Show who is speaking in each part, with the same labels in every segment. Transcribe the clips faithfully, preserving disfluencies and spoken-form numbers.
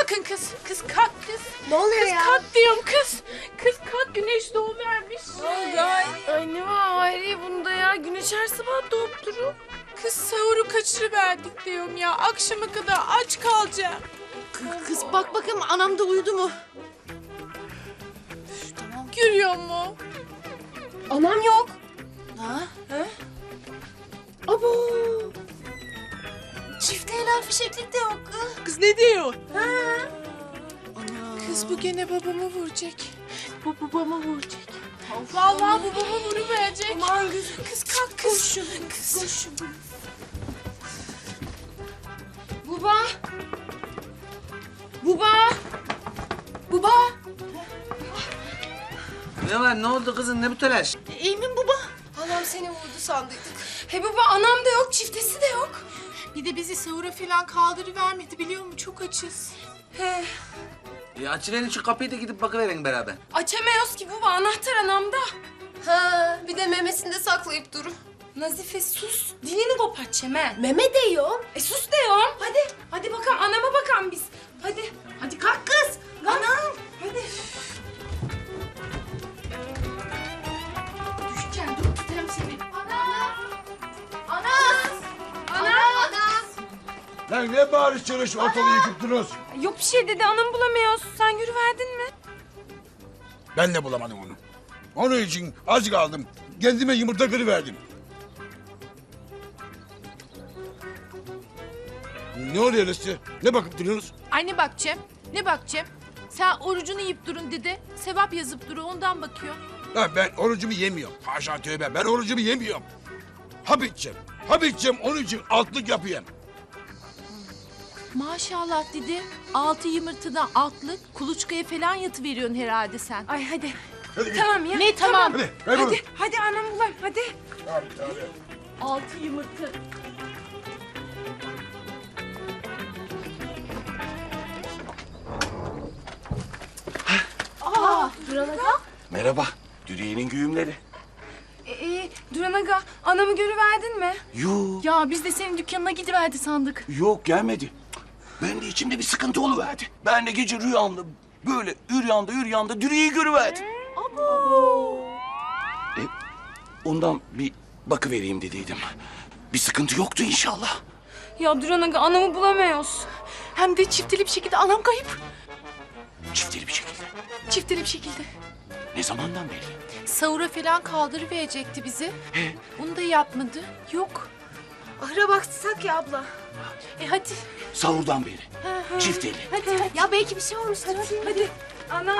Speaker 1: kalkın kız. Kız kalk kız.
Speaker 2: Ne oluyor
Speaker 1: kız,
Speaker 2: ya?
Speaker 1: Kız kalk diyorum kız. Kız kalk, güneş doğuvermiş.
Speaker 2: Ne oldu ay?
Speaker 3: Ay ne var Hayriye bunda ya? Güneş her sabah doğup durur.
Speaker 1: Kız sahuru kaçırıverdik diyorum ya. Akşama kadar aç kalacağım.
Speaker 3: Kız bak bakayım anam da uyudu mu?
Speaker 1: Görüyor mu?
Speaker 2: Anam yok.
Speaker 3: Ha?
Speaker 2: Abo. Çifte helal fişeklik de yok.
Speaker 1: Kız ne diyor?
Speaker 3: Ana.
Speaker 1: Kız bu gene babamı vuracak. Bu babamı vuracak. Vallahi bu babamı vuruverecek.
Speaker 2: Aman kız.
Speaker 1: Kız kalk kız. Koşun. Kız.
Speaker 2: Koşun.
Speaker 3: Buba. Buba.
Speaker 2: Baba.
Speaker 4: Ne var? Ne oldu kızım? Ne bu telaş?
Speaker 3: İyi mi baba?
Speaker 2: Anam seni vurdu sandıydık.
Speaker 3: He baba anam da yok, çiftesi de yok.
Speaker 1: Bir de bizi sahura falan kaldırıvermedi biliyor musun? Çok açız.
Speaker 3: He.
Speaker 4: E açıverin şu kapıyı da gidip bakıverin beraber.
Speaker 3: Açamıyoruz ki baba, anahtar anamda.
Speaker 2: Ha, bir de memesinde saklayıp durun.
Speaker 3: Nazife sus, dilini kopartacağım he.
Speaker 2: Meme de yok.
Speaker 3: E sus diyorum. Hadi, hadi bakalım anama bakalım biz. Hadi, hadi kalk kız. Anam, hadi. Düşeceksin, dur tutarım seni.
Speaker 2: Ana. Ana.
Speaker 3: Ana.
Speaker 2: Ana.
Speaker 5: Lan ne bağırış çırış ortalığı yıkıp durunuz?
Speaker 3: Yok bir şey dedi, anamı bulamıyoruz. Sen yürüverdin mi?
Speaker 5: Ben de bulamadım onu. Onun için az kaldım. Kendime yumurta kırıverdim. Ne oluyor Rıstı? Ne bakıp duruyorsunuz?
Speaker 1: Anne bakacağım. Ne bakacağım? Sen orucunu yiyip durun dedi. Sevap yazıp duru ondan bakıyor.
Speaker 5: Ha, ben orucumu yemiyorum. Haşa tövbe, ben orucumu yemiyorum. Hap içeceğim. Hap içeceğim, onun için altlık yapayım.
Speaker 1: Maşallah dedi. Altı yumurtadan altlık, kuluçkaya falan yatıveriyorsun herhalde sen.
Speaker 3: Ay hadi.
Speaker 5: Hadi git.
Speaker 3: Tamam ya.
Speaker 1: Ne tamam?
Speaker 5: Hadi, kaybolun.
Speaker 3: Hadi, hadi anam bulayım, hadi.
Speaker 5: Abi, abi.
Speaker 1: Altı yumurta.
Speaker 6: Merhaba, Dürüye'nin güğümleri.
Speaker 3: Ee, Duran Aga, anamı görüverdin mi?
Speaker 6: Yok,
Speaker 1: Ya biz de senin dükkanına gidiverdi sandık.
Speaker 6: yok gelmedi. Ben de içimde bir sıkıntı oluverdi. Ben de gece rüyamda böyle üryanda üryanda Dürüye'yi görüverdim. E, ondan bir bakıvereyim dediydim. Bir sıkıntı yoktu inşallah.
Speaker 3: Ya Duran Aga, anamı bulamıyoruz.
Speaker 1: Hem de çifteli bir şekilde anam kayıp.
Speaker 6: Çifteli bir şekilde.
Speaker 1: Çifteli bir şekilde.
Speaker 6: Ne zamandan beri?
Speaker 1: Sahura falan kaldırıverecekti bizi. Onu da yapmadı. Yok.
Speaker 2: Ahıra baksak ya abla.
Speaker 1: E hadi.
Speaker 6: Sahurdan beri. Çifteli.
Speaker 2: Hadi, hadi. Ya belki bir şey olmuştur. Hadi. Hadi.
Speaker 3: Ana.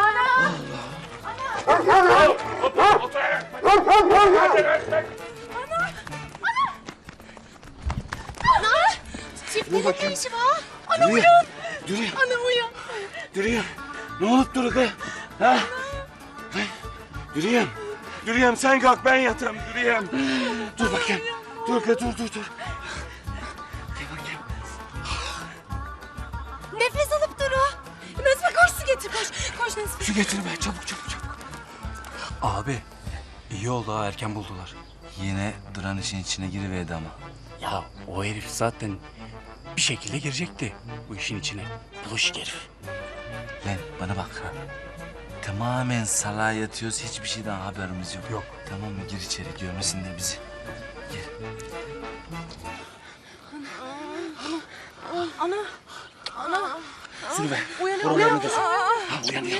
Speaker 6: Dur bakayım. Ana uyan. Dürüye.
Speaker 1: Ana uyan.
Speaker 6: Dürüye. Ne olup duruk ha? Ha? Dürüyem. Dürüyem sen kalk ben yatırım Dürüyem. Dur bakayım. Dur dur dur dur. Gel bakayım.
Speaker 2: Nefes alıp duru. Nazife koş su getir koş. Koş Nazife.
Speaker 6: Su getir be çabuk çabuk çabuk.
Speaker 7: Abi iyi oldu ha erken buldular.
Speaker 4: Yine Duran işin içine giriverdi ama.
Speaker 7: Ya o herif zaten bir şekilde girecekti bu işin içine. Bulaşık herif.
Speaker 4: Lan bana bak. Tamamen salağa yatıyoruz. Hiçbir şeyden haberimiz yok.
Speaker 7: Yok.
Speaker 4: Tamam mı? Gir içeri. Görmesinler bizi. Gel.
Speaker 6: Şunu ver. Buralarını da sür. Ha uyanıyor.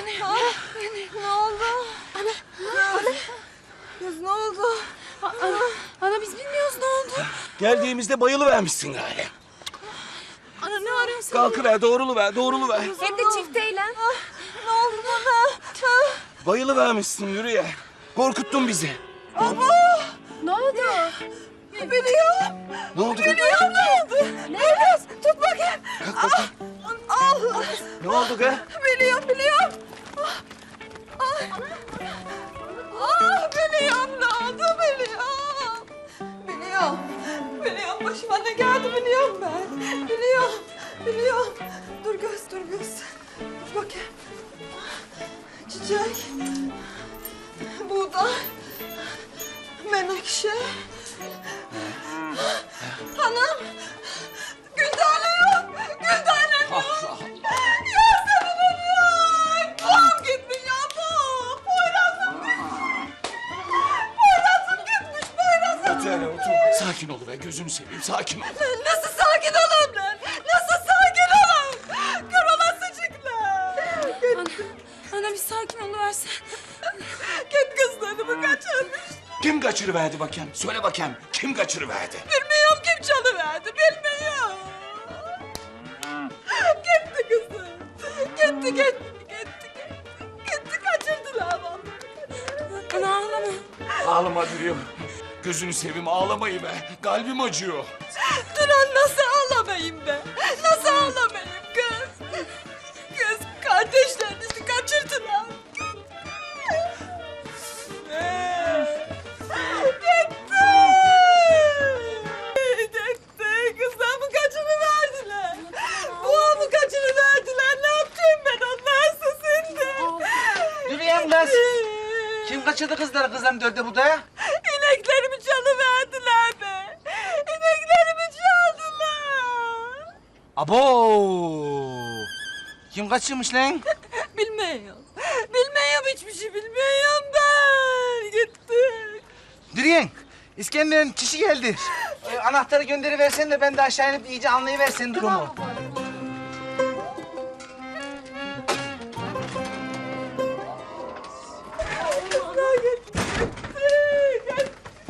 Speaker 3: Kız ne oldu? Ana, ana biz bilmiyoruz ne oldu.
Speaker 6: Geldiğimizde bayılıvermişsin gari.
Speaker 3: Ana ne arıyorsun?
Speaker 6: Kalkıver doğruluver doğruluver.
Speaker 3: Hem de çifteyle. Ne oldu bana?
Speaker 6: Bayılıvermişsin yürüye. Korkuttun bizi.
Speaker 3: Ne oldu?
Speaker 2: Biliyorum.
Speaker 6: Ne oldu?
Speaker 2: Biliyorum ne oldu? Nefes. Tut bakayım.
Speaker 6: Kalk bakayım.
Speaker 2: Allah.
Speaker 6: Ne oldu be?
Speaker 2: Biliyorum, biliyorum. Ah, ah. Ah, biliyorum ne oldu, biliyorum. Biliyorum, biliyorum. Başıma ne geldi biliyorum ben. Biliyorum, biliyorum. Dur göz, dur göz. Dur bakayım. Çiçek. Buğday. Menekşe. Hanım. Güldane yok. Güldane yok.
Speaker 6: Ah, ah.
Speaker 2: Ya
Speaker 6: gözünü seveyim sakin ol.
Speaker 2: Nasıl sakin olayım lan? Nasıl sakin olayım? Kör olasıcıklar.
Speaker 3: Ana, ana bir sakin oluversen.
Speaker 2: Git kızlarımı kaçırmış.
Speaker 6: Kim kaçırıverdi bakayım? Söyle bakayım. Kim kaçırıverdi?
Speaker 2: Bilmiyorum kim çalıverdi, bilmiyorum. Gitti kızım. Gitti, gitti, gitti, gitti. Gitti, kaçırdılar vallahi.
Speaker 3: Ana ağlama.
Speaker 6: Ağlama Dürüyem. Gözünü seveyim ağlamayı be. Kalbim acıyor.
Speaker 2: Duran nasıl ağlamayayım be? Nasıl ağlamayayım kız? Kız kardeşlerinizi kaçırdılar. Gitti. Gitti. Kızlarımı kaçırıverdiler. Boğamı kaçırıverdiler. Ne yapacağım ben onlarsız şimdi?
Speaker 4: Dürüyem kız. Kim kaçırdı kızları kızların dördü budaya?
Speaker 2: İneklerimi çalıverdiler be. İneklerimi çaldılar.
Speaker 4: Abo! Kim kaçırmış lan?
Speaker 2: Bilmiyorum. Bilmiyorum, hiçbir şey bilmiyorum ben. Gitti.
Speaker 4: Dürüyen, İskender'in kişi geldi. Ee, anahtarı gönderiversen de ben de aşağı inip iyice anlayıversen durumu.
Speaker 2: Kızlar gitti. Gitti.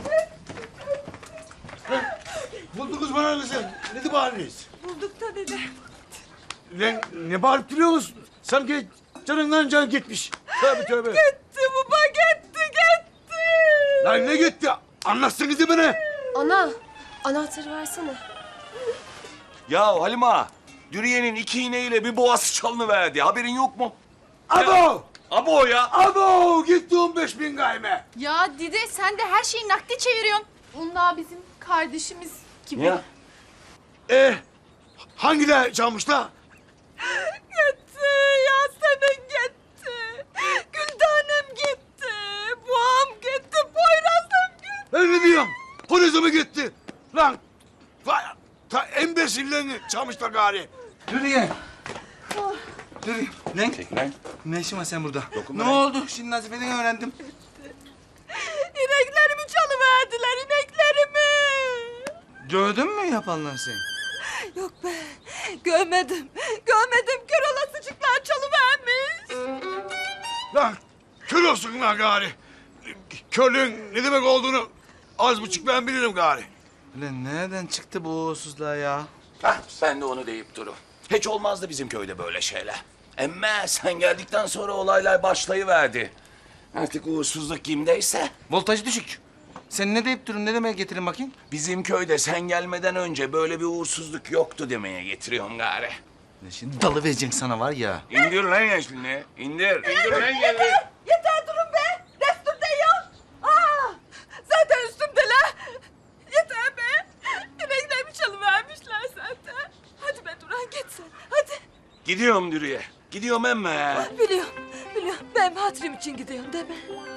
Speaker 5: Buldunuz bana kızım. Ne de bağırıyorsunuz?
Speaker 2: Bulduk da dede.
Speaker 5: Lan ne bağırıp duruyorsunuz? Sanki canından can gitmiş. Tövbe tövbe.
Speaker 2: Gitti baba, gitti, gitti.
Speaker 5: Lan ne gitti? Anlatsınız bana.
Speaker 1: Ana, anahtarı versene.
Speaker 6: Ya Halima, Dürüye'nin iki iğneyle bir boğası çalınıverdi. Haberin yok mu?
Speaker 5: Abo!
Speaker 6: Abo ya.
Speaker 5: Abo! Gitti on beş bin gayme.
Speaker 1: Ya Dide sen de her şeyi nakde çeviriyorsun. Onlar bizim kardeşimiz gibi.
Speaker 6: Ya.
Speaker 5: Eh, hangiler çalmışlar?
Speaker 2: Gitti. Yasemin gitti. Güldanem gitti. Boğam gitti. Poyrazım gitti.
Speaker 5: Ben ne diyorum? Polise mi gitti? Lan, vay, ta embesillerini çalmışlar gari.
Speaker 4: Dürüyen. Dürüyen. Lan,
Speaker 6: Çek lan.
Speaker 4: ne işin var sen burada?
Speaker 6: Dokunma
Speaker 4: Ne
Speaker 6: lan.
Speaker 4: oldu? Şimdi Nazife'den öğrendim.
Speaker 2: İneklerimi çalıverdiler, ineklerimi.
Speaker 4: Gördün mü yapanları sen?
Speaker 2: Yok be, görmedim. Görmedim, kör olasıcıklar çalıvermiş.
Speaker 5: Lan, kör olsun lan gari. Körlüğün ne demek olduğunu az buçuk ben bilirim gari.
Speaker 4: Ulan nereden çıktı bu uğursuzluğa ya?
Speaker 6: Hah, ben de onu deyip durum. Hiç olmazdı bizim köyde böyle şeyler. Emme sen geldikten sonra olaylar başlayıverdi. Artık uğursuzluk kimdeyse.
Speaker 4: Voltajı düşük. Sen ne deyip durun? Ne demeye getirin bakayım?
Speaker 6: Bizim köyde sen gelmeden önce böyle bir uğursuzluk yoktu demeye getiriyorum gari.
Speaker 4: Lan şimdi dalı vereceksin sana var ya.
Speaker 6: İndir lan yaşlını. İndir. İndir lan geldi.
Speaker 2: Yeter durun be, destur değil. Aa, zaten üstümdeler. Yeter be. İneklerimi çalıvermişler zaten. Hadi be Duran, git sen, hadi.
Speaker 6: Gidiyorum Dürüye. Gidiyorum emme.
Speaker 2: Biliyorum, biliyorum. Ben hatırım için gidiyorum değil mi?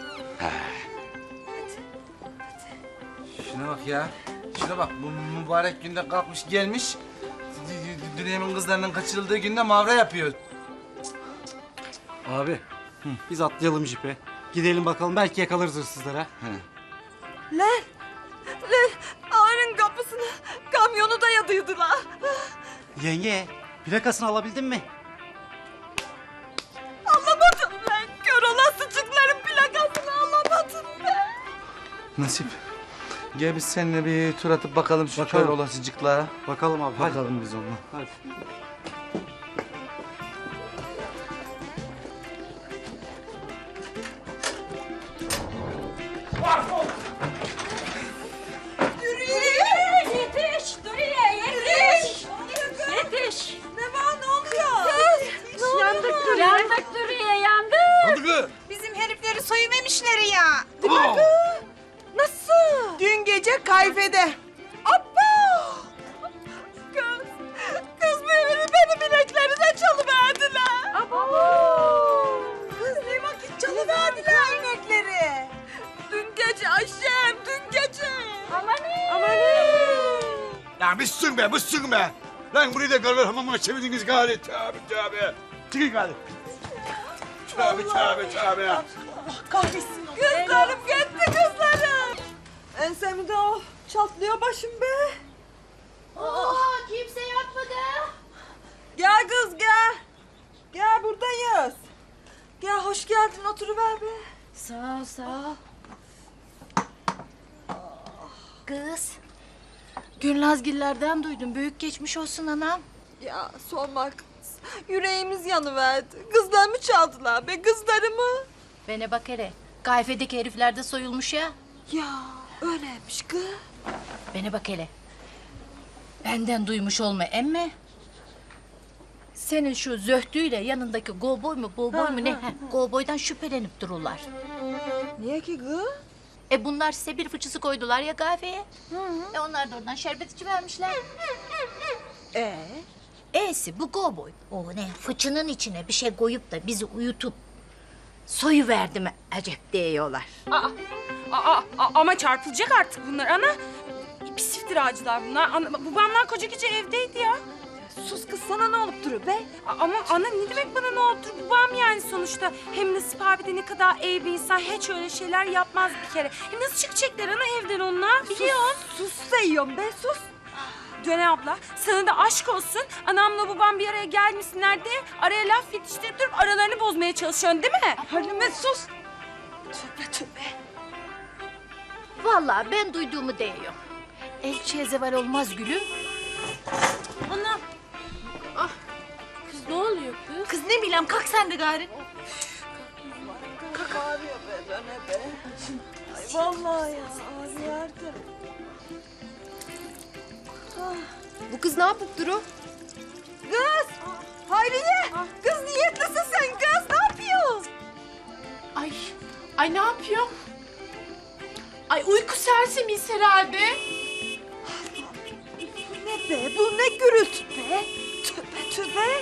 Speaker 4: Şuna bak ya. Şuna bak. Bu mübarek günde kalkmış gelmiş. Dünyanın kızlarının kaçırıldığı günde mavra yapıyor.
Speaker 8: Abi, biz atlayalım jipe. Gidelim bakalım, belki yakalarız hırsızları ha.
Speaker 2: Lan, lan, ağanın kapısına kamyonu dayadıydılar.
Speaker 8: Yenge, plakasını alabildin mi?
Speaker 2: Anlamadım lan. Kör olasıcıkların plakasını anlamadım ben.
Speaker 4: Nasip. Gel biz seninle bir tur atıp bakalım şu
Speaker 8: Bakalım.
Speaker 4: kör olasıcıklara.
Speaker 8: Bakalım abi, hadi.
Speaker 4: Bakalım biz onunla.
Speaker 8: Hadi.
Speaker 2: Yetiş, Duriye, yetiş. Yetiş. Ne var, ne oluyor? Kız, ne yandık Duriye.
Speaker 3: Yandık Dürüye, yandık.
Speaker 5: Oldu kız.
Speaker 2: Bizim herifleri soyuvermişler ya.
Speaker 5: Abo!
Speaker 2: Nasıl? Dün gece kayfede. Abba! Kız, kız benim, benim ineklerine çalıverdiler. Abo! Kız ne vakit çalıverdiler inekleri? Dün gece Ayşem, dün gece. Amanın. Amanın.
Speaker 5: Ya bıssın be, bıssın be. Lan burayı da gargar hamamına çevirdiniz gari. Tövbe tövbe. Çıkın gari. Tövbe tövbe tövbe.
Speaker 2: Kahretsin. Kızlarım gitti, kızlarım. Ensemde o çatlıyor başım be.
Speaker 1: Aa, kimse yapmadı.
Speaker 2: Gel kız gel. Gel buradayız. Gel hoş geldin oturuver be.
Speaker 1: Sağ ol, sağ ol. Kız. Gülnazgillerden duydum. Büyük geçmiş olsun anam.
Speaker 2: Ya sorma kız. Yüreğimiz yanıverdi. Kızlarımı çaldılar be kızlarımı.
Speaker 1: Bana bak hele. Gayfedeki herifler de soyulmuş ya.
Speaker 2: Ya öyleymiş kız.
Speaker 1: Bana bak hele. Benden duymuş olma emme. Senin şu zöhtüyle yanındaki kovboy mu, kovboy mu ne? Heh, kovboydan şüphelenip dururlar.
Speaker 2: Niye ki kız?
Speaker 1: E bunlar size bir fıçısı koydular ya kahveye. E onlar da oradan şerbet içivermişler.
Speaker 2: Ee?
Speaker 1: E'si bu kovboy. O ne fıçının içine bir şey koyup da bizi uyutup soyuverdi mi acep diyorlar.
Speaker 3: Aa, aa, aa, ama çarpılacak artık bunlar ana. Pis iftiracılar bunlar. Ana, babamlar koca gece evdeydi ya.
Speaker 2: Sus kız sana ne olup duruyor be?
Speaker 3: A- Ama ana ne demek bana ne oldu? Babam yani sonuçta. Hem Nasip abi de ne kadar iyi bir insan. Hiç öyle şeyler yapmaz bir kere. Hem nasıl çıkacaklar ana evden onlar? Biliyorsun.
Speaker 2: Sus da yiyorum be sus.
Speaker 3: Döne abla sana da aşk olsun. Anamla babam bir araya gelmişsinler de araya laf yetiştirip durup aralarını bozmaya çalışıyorsun değil mi?
Speaker 2: Halime sus. Tövbe tövbe.
Speaker 1: Vallahi ben duyduğumu diyorum. Elçiye zeval olmaz gülüm.
Speaker 3: Ana.
Speaker 1: Kız ne oluyor kız?
Speaker 3: Kız ne bileyim kalk sen de gari.
Speaker 2: Kalk. Ağrıyor be döne be. Ay vallahi ya ağrıyordu.
Speaker 3: Bu kız ne yapıp duru?
Speaker 2: Kız! Hayriye! Kız niyetlisin sen kız ne yapıyorsun?
Speaker 1: Ay, ay ne yapıyor? Ay uyku sersemiyiz herhalde.
Speaker 2: Bu ne be bu ne gürültü be? Tövbe tövbe.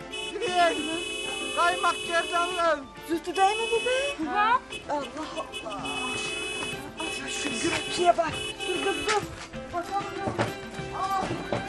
Speaker 8: Kaymak gerdanlar.
Speaker 2: Zültü değil mi bu be?
Speaker 3: Ha?
Speaker 2: Allah Allah. Ay, şu gürültüye bak. Dur kız dur. Bakalım ne? Aa.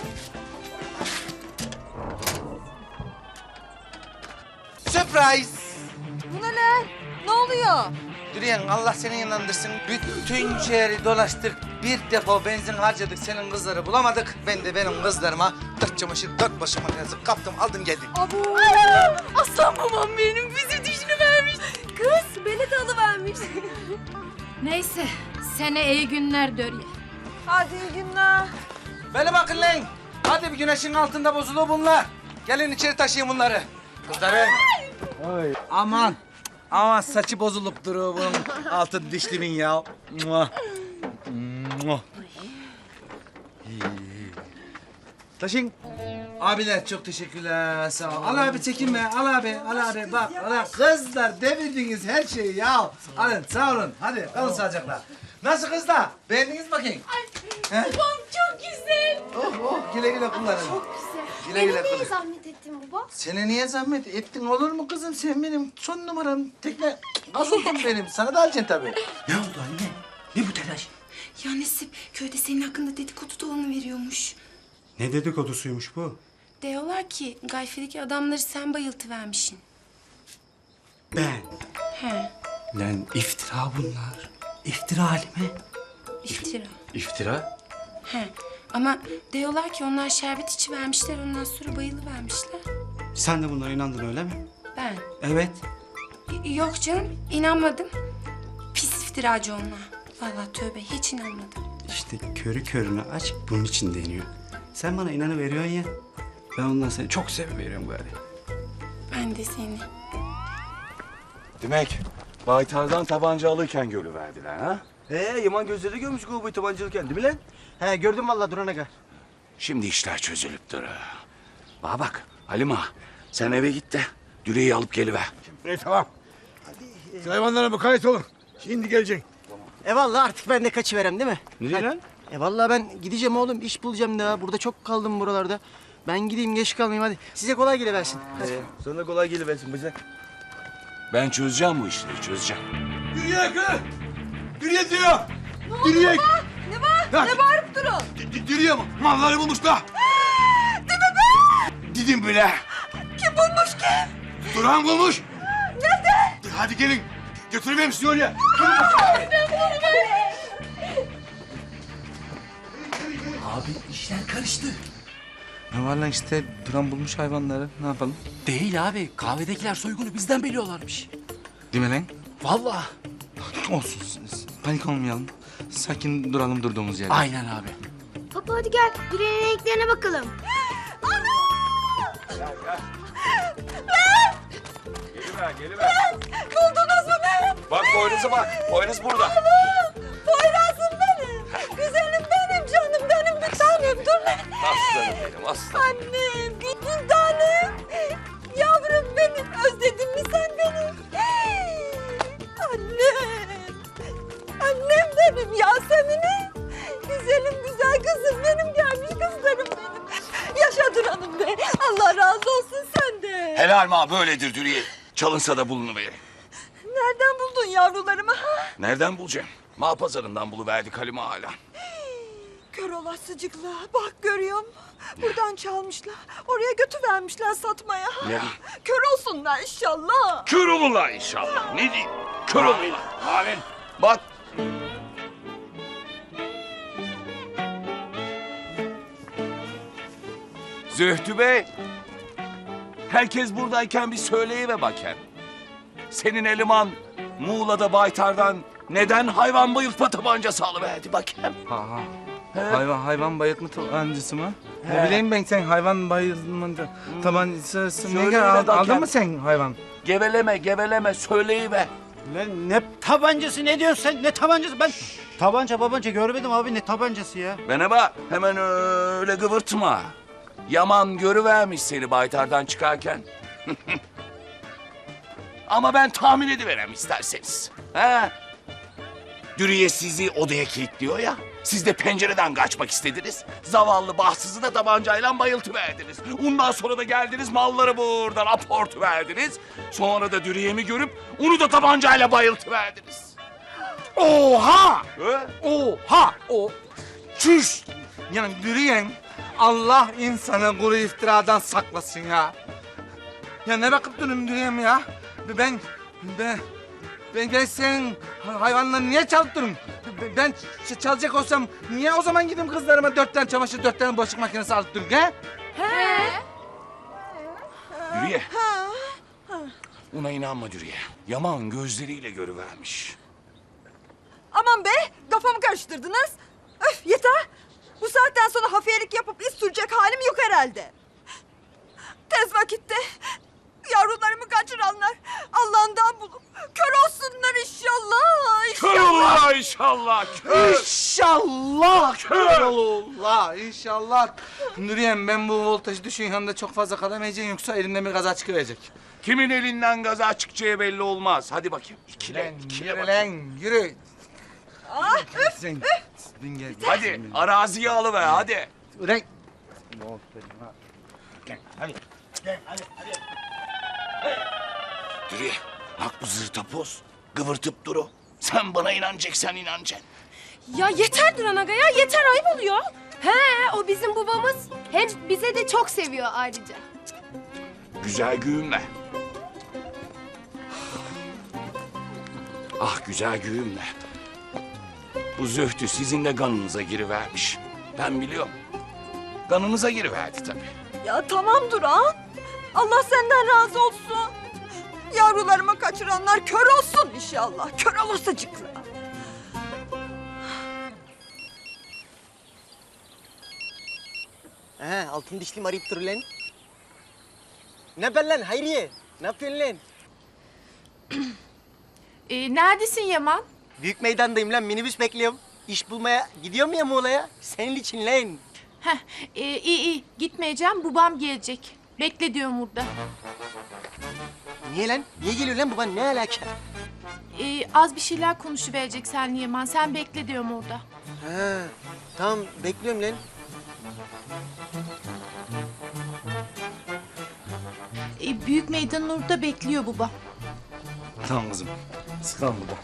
Speaker 4: Surprise!
Speaker 2: Bu ne lan? Ne oluyor?
Speaker 4: Duriyen Allah seni inandırsın. Bütün şehri dolaştık. Bir depo benzin harcadık. Senin kızları bulamadık. Ben de benim kızlarıma dört çamaşır, dört başıma yazıp kaptım, aldım geldim.
Speaker 2: Abu.
Speaker 3: Aslan babam benim bizi düşünüvermiş. Kız beni de alıvermiş.
Speaker 1: Neyse, sene iyi günler Dörye.
Speaker 2: Hadi iyi günler.
Speaker 4: Bana bakın lan. Hadi bir güneşin altında bozulu bunlar. Gelin içeri taşıyın bunları. Kızları. Aman. Aman saçı bozulup duruyor bunun altın dişlimin ya. Mua. Mua. Taşın. Abiler çok teşekkürler. Sağ ol. Al abi çekinme. Al abi. Al abi. Bak. Al. Kızlar devirdiniz her şeyi ya. Alın sağ olun. Hadi kalın sağlıcakla. Nasıl kızlar? Beğendiniz bakayım. He?
Speaker 1: Babam çok güzel.
Speaker 4: Oh oh güle güle kullanın.
Speaker 1: Çok güzel.
Speaker 4: Güle güle kullanın.
Speaker 1: zahmet ettin baba?
Speaker 4: Sana niye zahmet ettin olur mu kızım? Sen benim son numaram. Tekne gazozum benim. Sana da alacaksın tabii.
Speaker 7: Ne oldu anne? Ne bu telaş?
Speaker 3: Ya Nasip köyde senin hakkında dedikodu dolanı veriyormuş.
Speaker 8: Ne dedikodusuymuş bu?
Speaker 3: Diyorlar ki Gayfe'deki adamları sen bayıltıvermişsin.
Speaker 8: Ben.
Speaker 3: He,
Speaker 7: Lan iftira bunlar. İftira halime.
Speaker 3: iftira.
Speaker 7: İftira?
Speaker 3: He. Ama diyorlar ki onlar şerbet içivermişler ondan sonra bayılıvermişler.
Speaker 8: Sen de bunlara inandın öyle mi?
Speaker 3: Ben.
Speaker 8: Evet.
Speaker 3: Y- Yok canım inanmadım. Pis iftiracı onlar. Vallahi tövbe hiç inanmadım.
Speaker 8: İşte körü körüne aç bunun için deniyor. Sen bana inanıveriyorsun ya. Ben ondan seni çok seviveriyorum gari.
Speaker 3: Ben de seni.
Speaker 6: Demek baytardan tabanca alırken görüverdiler ha?
Speaker 9: He, Yaman gözleri görmüş kovboy tabancalıyken değil mi lan? He, gördüm vallahi Duran aga.
Speaker 6: Şimdi işler çözülüp durur. Bana bak Halima sen eve git de Düreyi alıp geliver.
Speaker 5: İyi tamam. Hayvanlara mukayyet olun. Şimdi gelecek.
Speaker 9: E vallahi artık ben de kaçıverem değil mi?
Speaker 8: Nereye lan?
Speaker 9: E vallahi ben gideceğim oğlum, iş bulacağım daha. Burada çok kaldım buralarda. Ben gideyim, geç kalmayayım hadi. Size kolay geliversin. Hadi.
Speaker 5: Ee, sana kolay geliversin bize.
Speaker 6: Ben çözeceğim bu işleri çözeceğim.
Speaker 5: Yürüyek lan! Yürüyek diyor! Yürüyek!
Speaker 2: Ne var?
Speaker 5: Ya-
Speaker 2: Ne bağırıp durun?
Speaker 5: Yürüyek mi? Malları bulmuşlar. Değil mi be? Dedim bile.
Speaker 2: Kim bulmuş kim?
Speaker 5: Duran bulmuş.
Speaker 2: Nerede?
Speaker 5: Hadi gelin. Götürmeyeyim sizi oraya.
Speaker 7: İşler karıştı.
Speaker 4: Ne var lan işte Duran bulmuş hayvanları. Ne yapalım?
Speaker 7: Değil abi. Kahvedekiler soygunu bizden biliyorlarmış.
Speaker 4: Değil mi lan?
Speaker 7: Vallahi.
Speaker 4: Olsun. Panik olmayalım. Sakin duralım durduğumuz yerde.
Speaker 7: Aynen abi.
Speaker 10: Papa hadi gel. Duran'ın renklerine bakalım.
Speaker 6: Geliver, geliver.
Speaker 2: Buldunuz mu beni?
Speaker 6: Bak boynuza bak. Boynuz burada.
Speaker 2: Poyraz'ım benim. Güzelim benim canım benim bir tanem. Dur lan.
Speaker 6: Aslanım benim, aslanım.
Speaker 2: Annem bir tanem. Yavrum benim. Özledin mi sen beni? Annem. Annem benim Yasemin'im. Güzelim güzel kızım benim gelmiş kızlarım benim. Yaşa Duran'ım be. Allah razı olsun senden.
Speaker 6: Helal ma böyledir Dürüye. Çalınsa da bulunuverir.
Speaker 2: Nereden buldun yavrularımı? Ha?
Speaker 6: Nereden bulacağım? Ma pazarından buluverdik Halime hala.
Speaker 2: Kör olasıcıkla. Bak görüyor musun? Buradan çalmışlar. Oraya götüvermişler satmaya.
Speaker 6: Ne?
Speaker 2: Kör olsunlar inşallah.
Speaker 6: Kör olurlar inşallah. Ne diyeyim? Kör olurlar. Amin. Bak. Zühtü Bey. Herkes buradayken bir söyleyiver bakayım. Senin eleman Muğla'da Baytar'dan neden hayvan bayıltma tabancası alıverdi bakayım?
Speaker 4: Ha, ha. Hayvan, hayvan bayıltma tabancası mı? Ne bileyim ben sen hayvan bayıltma tabancası ne
Speaker 6: Söyle
Speaker 4: kadar
Speaker 6: be
Speaker 4: aldın,
Speaker 6: bakayım.
Speaker 4: aldın mı sen hayvan?
Speaker 6: Geveleme geveleme söyleyiver.
Speaker 9: Lan ne tabancası ne diyorsun sen? Ne tabancası? Ben tabanca babanca görmedim abi ne tabancası ya?
Speaker 6: Bana bak hemen öyle gıvırtma. Yaman görüvermiş seni Baytar'dan çıkarken. Ama ben tahmin ediverem isterseniz. He? Dürüye sizi odaya kilitliyor ya. Siz de pencereden kaçmak istediniz. Zavallı bahtsızı da tabancayla bayıltıverdiniz. Ondan sonra da geldiniz malları buradan aportu verdiniz. Sonra da Dürüye'mi görüp onu da tabancayla bayıltıverdiniz.
Speaker 4: Oha!
Speaker 6: He?
Speaker 4: Oha! O çüş! Yani yürüyen Allah insanı kuru iftiradan saklasın ya. Ya ne bakıp durun yürüyem ya? Ben ben ben, ben senin hayvanları niye çalıttırım? Ben ç- çalacak olsam niye o zaman gideyim kızlarıma dört tane çamaşır, dört tane bulaşık makinesi alıp durun he?
Speaker 6: Dürüye. Ona inanma Dürüye. Yaman gözleriyle görüvermiş.
Speaker 2: Aman be kafamı karıştırdınız. Öf yeter. Bu saatten sonra hafiyelik yapıp iz sürecek halim yok herhalde. Tez vakitte yavrularımı kaçıranlar Allah'ından bulup kör olsunlar inşallah.
Speaker 6: Kör
Speaker 2: inşallah.
Speaker 6: olurlar inşallah. Kör.
Speaker 4: İnşallah kör olurlar inşallah. Nuriyem ben bu voltajı düşün yanında çok fazla kalamayacağım yoksa elimden bir gaza çıkıverecek.
Speaker 6: Kimin elinden gaza çıkacağı belli olmaz. Hadi bakayım. İkile,
Speaker 4: Lan
Speaker 6: ikile
Speaker 4: yürü
Speaker 6: bakayım.
Speaker 4: lan yürü.
Speaker 2: Ah, öf.
Speaker 4: Sen, bin gel.
Speaker 6: Hadi araziyi alıver hadi.
Speaker 4: Ulan.
Speaker 6: Dürüye bak bu zırtapoz. Kıvırtıp duru. Sen bana inanacaksan inanacaksın.
Speaker 3: Ya yeter Duran Aga ya yeter ayıp oluyor.
Speaker 10: He o bizim babamız. Hem bize de çok seviyor ayrıca.
Speaker 6: Güzel güğümle. Ah güzel güğümle. Bu zühtü sizin de kanınıza girivermiş. Ben biliyorum. Kanınıza giriverdi tabii.
Speaker 2: Ya tamam Duran. Allah senden razı olsun. Yavrularımı kaçıranlar kör olsun inşallah. Kör olasıcıkla.
Speaker 9: He altın dişlim arayıp dur lan. Ne haber lan Hayriye? Ne yapıyorsun lan?
Speaker 3: Ee, neredesin Yaman?
Speaker 9: Büyük meydandayım lan minibüs bekliyorum. İş bulmaya gidiyorum ya Muğla'ya. Senin için lan.
Speaker 3: Heh, e, iyi iyi gitmeyeceğim babam gelecek. Bekle diyorum burada.
Speaker 9: Niye lan? Niye geliyor lan baban? Ne alaka?
Speaker 3: Ee, az bir şeyler konuşuverecek seninle Yaman. Sen bekle diyorum orada.
Speaker 9: Ha, tamam bekliyorum lan.
Speaker 3: Ee, büyük meydanın orada bekliyor baba.
Speaker 4: Tamam kızım. Sıkalım burada.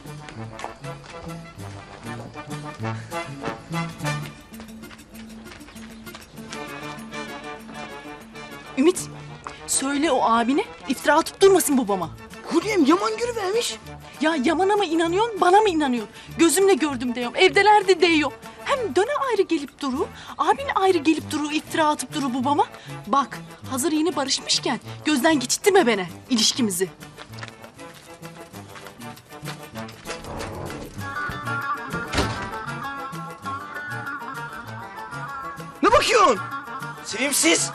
Speaker 11: Ümit, söyle o abine iftira atıp durmasın babama.
Speaker 9: Hürriyem yaman görüvermiş.
Speaker 11: Ya Yaman'a mı inanıyorsun, bana mı inanıyorsun? Gözümle gördüm diyorum, evdeler de diyor. Hem Hem döne ayrı gelip duru, abin ayrı gelip duru, iftira atıp duru babama. Bak, hazır yeni barışmışken gözden geçirtme beni ilişkimizi.
Speaker 9: Ne bakıyorsun? Sevimsiz.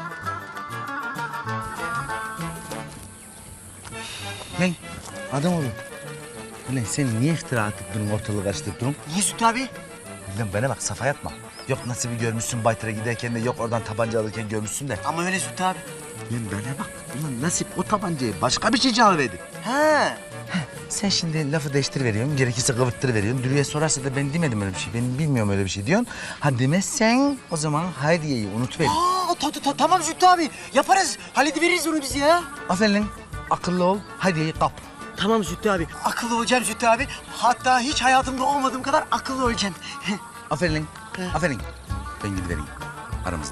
Speaker 4: Lan adam oğlum. Ulan sen niye iftira atıp durun, ortalığı karıştırıp durun?
Speaker 9: Niye Zühtü abi?
Speaker 4: Lan bana bak, safa yapma. Yok Nasip'i görmüşsün Baytır'a giderken de, yok oradan tabanca alırken görmüşsün de.
Speaker 9: Ama öyle Zühtü abi.
Speaker 4: Lan bana bak, ulan Nasip o tabancayı başka bir şey çalıverdi.
Speaker 9: Ha.
Speaker 4: Sen şimdi lafı değiştiriveriyorsun, gerekirse kıvırttırıveriyorsun. Dürüye sorarsa da ben demedim öyle bir şey, ben bilmiyorum öyle bir şey diyorsun. Ha demezsen o zaman Hayriye'yi unutuver.
Speaker 9: Aa, ta, ta, ta, tamam Zühtü abi. Yaparız. Hallediveririz onu biz ya.
Speaker 4: Aferin lan, akıllı ol, Hayriye'yi kap.
Speaker 9: Tamam Zühtü abi. Akıllı olacağım Zühtü abi. Hatta hiç hayatımda olmadığım kadar akıllı olacağım.
Speaker 4: Aferin lan, aferin. Ben gidivereyim aramızda.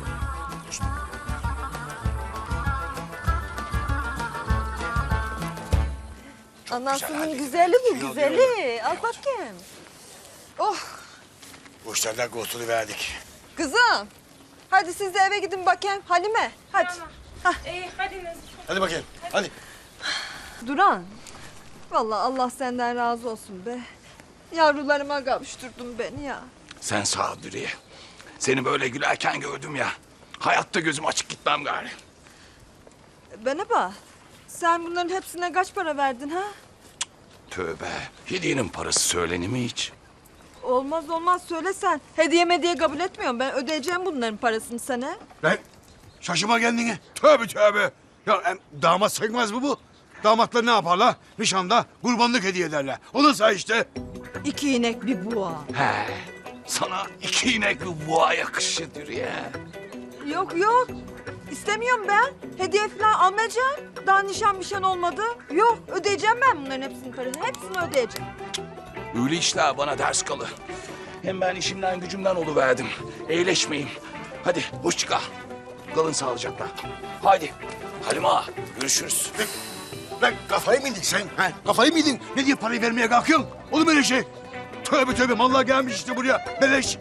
Speaker 2: Anasının güzeli bu güzeli. Al bakayım. Oh
Speaker 5: Bu işlerden kurtuluverdik.
Speaker 2: kızım. Hadi siz de eve gidin bakayım. Halime hadi.
Speaker 3: İyi hadi Nazif.
Speaker 5: Hadi bakayım. Hadi.
Speaker 2: Duran. Vallahi Allah senden razı olsun be. Yavrularıma kavuşturdun beni ya.
Speaker 6: Sen sağ ol Dürüye. Seni böyle gülerken gördüm ya. Hayatta gözüm açık gitmem gari.
Speaker 2: Bana bak. Sen bunların hepsine kaç para verdin ha?
Speaker 6: Tövbe. Hediyenin parası söylenir mi hiç?
Speaker 2: Olmaz olmaz söylesen. Hediye mediye kabul etmiyorum. Ben ödeyeceğim bunların parasını sana.
Speaker 5: Lan şaşıma kendini. Tövbe tövbe. Ya em, damat sayılmaz mı bu? Damatlar ne yaparlar? Nişanda kurbanlık hediye ederler. O da say işte.
Speaker 2: İki inek bir buğa.
Speaker 6: He. Sana iki inek bir boğa yakışır Dürüye.
Speaker 2: Yok yok. İstemiyorum ben. Hediye falan almayacağım. Daha nişan mişan olmadı. Yok ödeyeceğim ben bunların hepsinin parasını. Hepsini ödeyeceğim.
Speaker 6: Öyle işler bana ders kalı. Hem ben işimden gücümden oluverdim. Eğleşmeyeyim. Hadi hoşça kal. Kalın sağlıcakla. Haydi. Halime ağa, görüşürüz.
Speaker 5: Lan kafayı mı yedin sen? Ha? Kafayı mı yedin? Ne diye parayı vermeye kalkıyorsun? Olur mu öyle şey? Tövbe tövbe mallar gelmiş işte buraya. Beleş.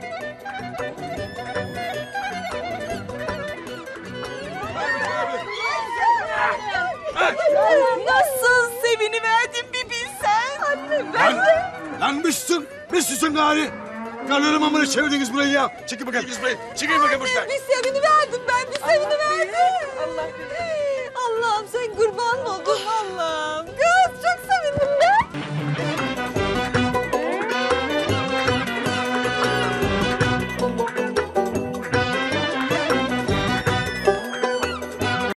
Speaker 2: Nasıl seviniverdim bir bilsen. Anne
Speaker 5: Lan, lan mısın? Mısın gari? Karlarım amına çevirdiniz burayı ya. Çekil bakayım kız burayı. Çekil bakayım buradan.
Speaker 2: Bir seviniverdim ben bir seviniverdim. Allah Allah'ım sen kurban oldum Allah'ım.